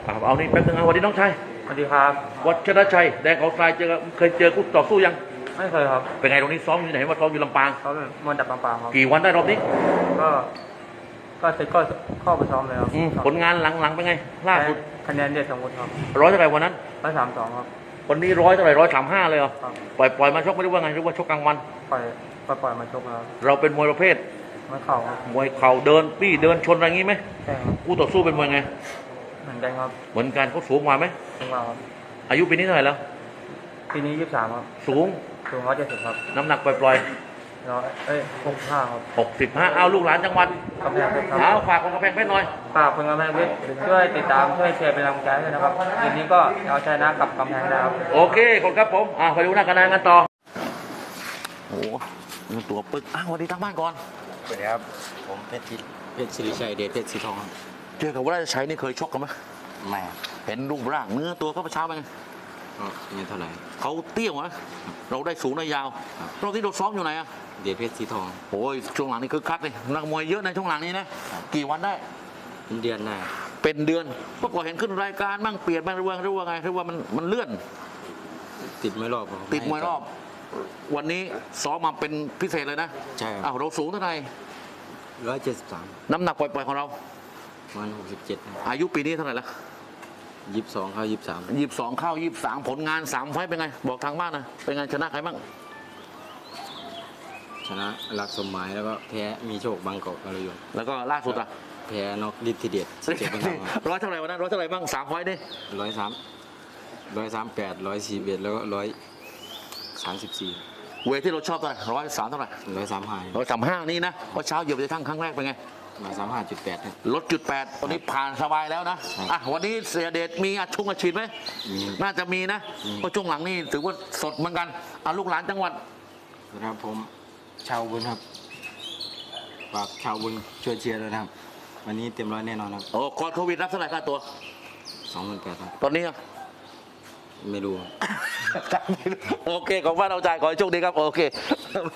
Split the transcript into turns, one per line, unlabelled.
เอานี่แป๊บนึงสวัสดีน้องชาย
สวัสดีครับ
วัชรชัยแดงเขาทรายเคยเจอคู่ต่อสู้ยัง
ไม่เคยครับ
เป็นไงตรงนี้ซ้อมอยู่ไหนว่าซ้อมอยู่ลำปาง
เขาเป็นมวยจากลำปางครับ
กี่วันได้รอบนี้
ก็ก็เข้าไปซ้อมเลยครับ
ผลงานหลังเป็นไงล่าสุด
คะแนนเด็ดสมบูรณ์ครับ
ร้อยเท่าไหร่วันนั้น
132ครับ
วันนี้ร้อยเท่าไหร่135เลยเหรอปล่อยมาชกไม่รู้ว่าไงหรือว่าชกกลางวัน
ปล่อยมาชกแล้ว
เราเป็นมวยประเภท
มวยเข่าครับ
มวยเข่าเดินปี้เดินชนอะไรงี้ไหม
ใช่ครับ
คู่ต่อสู้เป็นมวยไง
เหมือนกันครับ
เหมือนกันเขาสูงกว่าไหม
สูงกว่าครับ
อายุปีนี้เท่าไหร่แล้ว
ปีนี้23ครับ
สูง
170ครับ
น้ำหนักปล่อย
65ครับ
65เอาลูกหลานจังหวัด
กำแพงเพชรครับ
เอาฝากคนกำแพงเพชรหน่อย
ฝากคนกำแพงเพชรช่วยติดตามช่วยแชร์เป็นกำลังใจด้วยนะครับเย็นนี้ก็เอาชนะกับกำแพงได้ครับ
โอเคขอบคุณครับผมไปดูหน้ากระดานกันต่อโอ้ตัวปึกสวัสดีทางบ้านก่อน
สวัสดีครับผมเพชรศิริชัยเดชเพชรสีทองครับ
เจอกับว่าจะใช้นี่เคยชกกันไหม
ไม่
เห็นรูปร่างเนื้อตัวเขาประช้าไปไง
ไม่เท่าไหร่
เขาเตี้ยวนะเราได้สูงได้ยาวเราที่เราซ้อมอยู่ไหนอะ
เดชเพชรสีทอง
โอ้ยช่วงหลังนี่คือคักเลยนักมวยเยอะในช่วงหลังนี้นะกี่วันได้
เดือนได้
เป็นเดือนเมื่อก่อนเห็นขึ้นรายการบ้างเปลี่ยนบ้างหรือว่าไงหรือว่ามันเลื่อน
ติดมวยรอบ
วันนี้ซ้อมมาเป็นพิเศษเลยนะ
ใช่
เราสูงเท่าไหร่
173
น้ำหนักปล่อยๆของเรา
ประมาณ67
อายุปีนี้เท่าไหร่ละ
22เข้า
23เข้า23ผลงาน3ไฟต์เป็นไงบอกทางบ้านนะเป็นไงชนะใครบ้าง
ชนะรักสมหมายแล้วก็แพ้มีโชคบางกอกอะไรอยู่
แล้วก็ล่าสุดอะ
แพ้นอกฤทธิเดช
ร้อยเท่าไหร่วันนั้นร้อยเท่าไหร่บ้าง3ไฟต์ดิ
138 141แล้วก็134
เวทที่เราชอบเท่าไหร่103เท่าไหร่135นี่นะเพราะเช้าเหยียบไปทั้งครั้งแรกเป็นไง
135.8
ลดจุด8ตอนนี้ผ่านสบายแล้วนะวันนี้เสียเดชมีอาชีพไหมน่าจะมีนะเพราะช่วงหลังนี่ถือว่าสดเหมือนกันลูกหลานจังหวัด
นะครับผมชาวบุญครับฝากชาวบุญช่วยเชียร์ด้วยนะครับวันนี้เต็มร้อยแน่นอนครับ
ก่อนโควิดรับเท่าไหร่ค่าตัว
28,000ครับ
ตอนนี้
ไม่รู้
โอเคของบ้านเอาใจขอให้โชคดีครับโอเค